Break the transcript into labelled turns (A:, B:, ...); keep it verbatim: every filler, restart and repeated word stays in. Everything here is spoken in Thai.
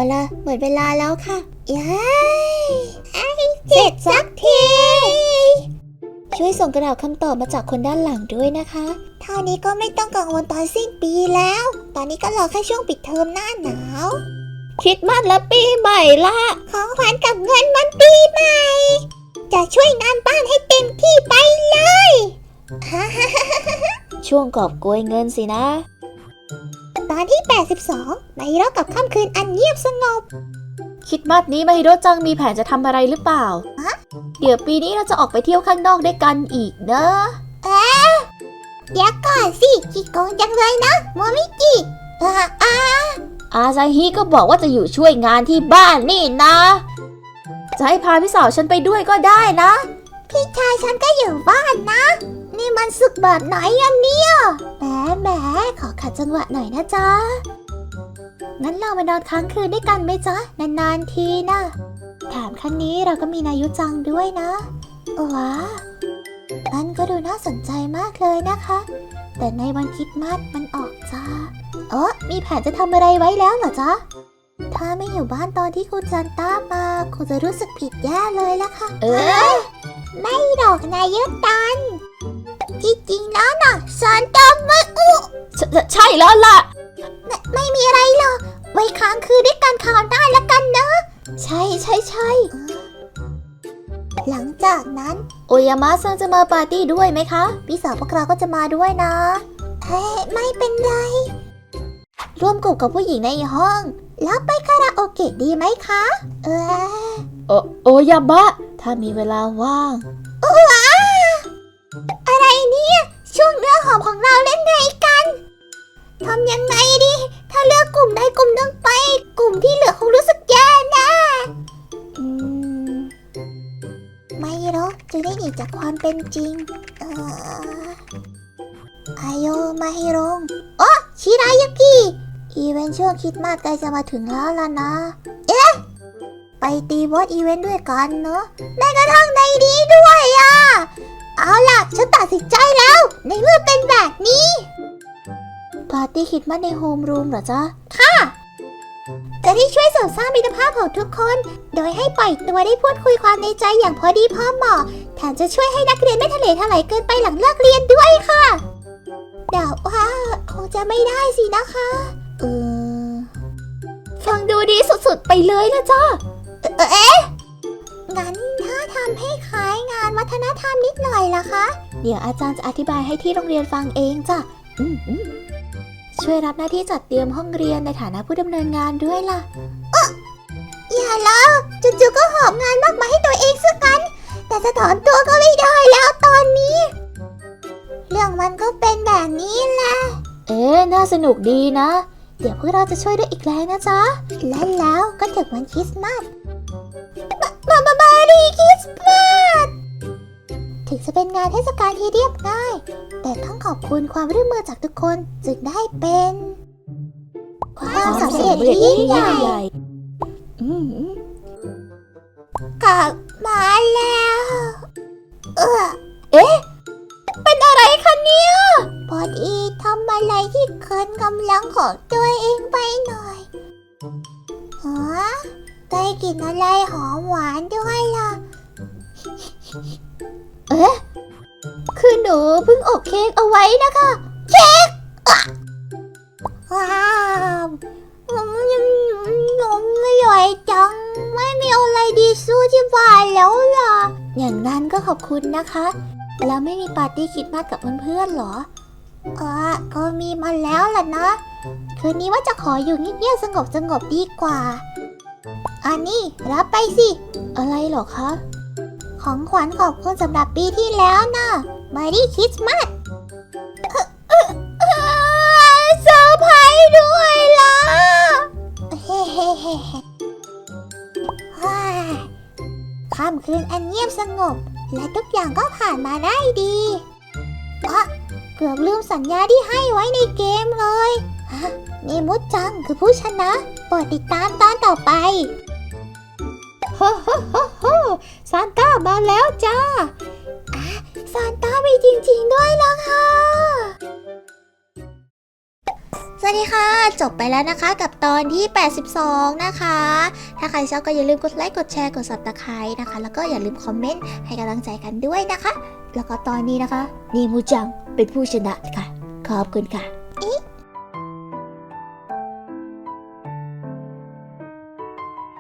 A: ล่ะหมดเวลาแล้วค่ะย้ายเสร็จสักทีช่วยส่งกระดาษคำตอบมาจากคนด้านหลังด้วยนะคะเท่านี้ก็ไม่ต้องกังวลตอนสิ้นปีแล้วตอนนี้ก็รอแค่ช่วงปิดเทอมหน้าหนาวคริสต์มาสและปีใหม่ละของขวัญกับเงินวันปีใหม่จะช่วยงานบ้านให้เต็มที่ไปเลยช่วงกอบโกยเงินสินะตอนที่แปดสิบสองไมฮิโร่กับค่ำคืนอันเงียบสงบ
B: คริสต์มาสนี้ไมฮิโร่จังมีแผนจะทำอะไรหรือเปล่าเดี๋ยวปีนี้เราจะออกไปเที่ยวข้างนอกด้วยกันอีกนะ
A: เอ๊ะเดี๋ยวก่อนสิขี้โกงจังเลยนะโมมิจิอ่าอ่า
B: อาซาฮิก็บอกว่าจะอยู่ช่วยงานที่บ้านนี่นะจะให้พาพี่สาวฉันไปด้วยก็ได้นะ
A: พี่ชายฉันก็อยู่บ้านนะนี่มันสุขแบบไหนอันเนี่ยแหมแหมขอขัดจังหวะหน่อยนะจ๊ะงั้นเรามานอนค้างคืนด้วยกันไหมจ๊ะนานๆทีนะแถมครั้งนี้เราก็มีนายุจังด้วยนะว้านั่นก็ดูน่าสนใจมากเลยนะคะแต่ในวันคริสต์มาสมันออกจ้าเออมีแผนจะทำอะไรไว้แล้วเหรอจ๊ะถ้าไม่อยู่บ้านตอนที่คุณซันต้ามาคงจะรู้สึกผิดแย่เลยล่ะค่ะ
B: เออ
A: ไม่หรอกนายุตันที่จริงแล้วน่ะซันต้าไม่อุ
B: ใช่แล้วล่ะ
A: ไม่ไม่มีอะไรหรอกไว้ค้างคืนด้วยกันคราวหน้าละกันเนอะ
B: ใช่ใช่ใช่
A: หลังจากนั้น
B: โอยามะซังจะมาปาร์ตี้ด้วยไหมคะ
A: พี่สาวพวกเราก็จะมาด้วยนะเฮ้ไม่เป็นไรร่วมกลุ่มกับผู้หญิงในห้องแล้วไปคาราโอเกะดีไหมคะเออ
B: โอโอยามะถ้ามีเวลาว่าง
A: ว้าอะไรเนี่ยช่วงเนื้อหอมของเราเล่นไงกันทำยังไงดีถ้าเลือกกลุ่มใดกลุ่มหนึ่งไปกลุ่มที่เหลือคงรู้สึกแย่แน่อืมไม่หรอกจะได้หนีจากความเป็นจริงเออไอโยมาฮิโรงโอ้ชิรายุกิอีเวนต์ช่วงคริสต์มาสใกล้จะมาถึงแล้วล่ะนะเอ๊ะไปตีบอสอีเวนต์ด้วยกันเนอะแม้กระทั่งในนี้ด้วยอ่ะเอาล่ะฉันตัดสินใจแล้วในเมื่อเป็นแบบนี้
B: ปาร์ตี้คริสต์มาสในโฮมรูมเหรอจ๊ะ
A: ค่ะจะได้ช่วยเสริมสร้างมิตรภาพของทุกคนโดยให้ปล่อยตัวได้พูดคุยความในใจอย่างพอดีพอเหมาะแถมจะช่วยให้นักเรียนไม่ทะเลทลายเกินไปหลังเลิกเรียนด้วยค่ะเดาว่าคงจะไม่ได้สินะคะเออ
B: ฟังดูดีสุดๆไปเลยนะจ๊ะ
A: เอ๊ะงั้นถ้าทำให้คล้ายงานวัฒนธรรมนิดหน่อยล่ะคะ
B: เดี๋ยวอาจารย์จะอธิบายให้ที่โรงเรียนฟังเองจ้ะอืมอืมช่วยรับหน้าที่จัดเตรียมห้องเรียนในฐานะผู้ดำเนินงานด้วยล่ะ
A: อ๊ะอย่าแล้วจู่ๆก็หอบงานมากมาให้ตัวเองซะงั้นแต่จะถอนตัวก็ไม่ได้แล้วตอนนี้เรื่องมันก็เป็นแบบนี้แหละ
B: เอ๊ะน่าสนุกดีนะเดี๋ยวพวกเราจะช่วยด้วยอีกแรงนะจ๊ะ
A: และแล้วก็ถึงวันคริสต์มาสบาบาบารีคริสต์มาสถึงจะเป็นงานเทศกาลที่เรียบง่ายแต่ต้องขอบคุณความร่วมมือจากทุกคนจึงได้เป็นความสำเร็จที่ยิ่งใหญ่กลับมาแล้วเออ
B: เอ๊ะเป็นอะไรคะเนี่ย
A: พอดีทำอะไรที่เกินกำลังของตัวเองไปหน่อยฮะได้กลิ่นอะไรหอมหวานด้วยล่ะ
B: เอ๊ะคือหนูเพิ่งอบเค้กเอาไว้นะคะ
A: เค้กว้าวหนูไม่อร่อยจังไม่มีอะไรดีสู้ที่บ้านแล้วล่ะ
B: อย่างนั้นก็ขอบคุณนะคะแล้วไม่มีปาร์ตี้คริสต์มาสกับเพื่อนๆหรอ
A: อ๋อก็มีมาแล้วล่ะนะคืนนี้ว่าจะขออยู่เงียบๆสงบสงบดีกว่าอันนี้รับไปสิ
B: อะไรหรอคะ
A: ของขวัญขอบคุณสำหรับปีที่แล้วนะMerry Christmasเซอร์ไพรส์ด้วยล่ะเฮ้เฮ้เฮ้ค่ำคืนอันเงียบสงบและทุกอย่างก็ผ่านมาได้ดีอ่ะเกือบลืมสัญญาที่ให้ไว้ในเกมเลยนี่มุดจังคือผู้ชนะโปรดติดตามตอนต่อไป
B: โฮโฮโฮโฮซานต้ามาแล้วจ้า
A: อ่ะซานต้ามีจริงๆด้วยล่ะค่ะวัสดีค่ะจบไปแล้วนะคะกับตอนที่แปดสิบสองนะคะถ้าใครชอบก็อย่าลืมกดไลค์กดแชร์กด ซับสไครบ์ นะคะแล้วก็อย่าลืมคอมเมนต์ให้กำลังใจกันด้วยนะคะแล้วก็ตอนนี้นะคะนีมูจังเป็นผู้ชนะค่ะขอบคุณค่ะ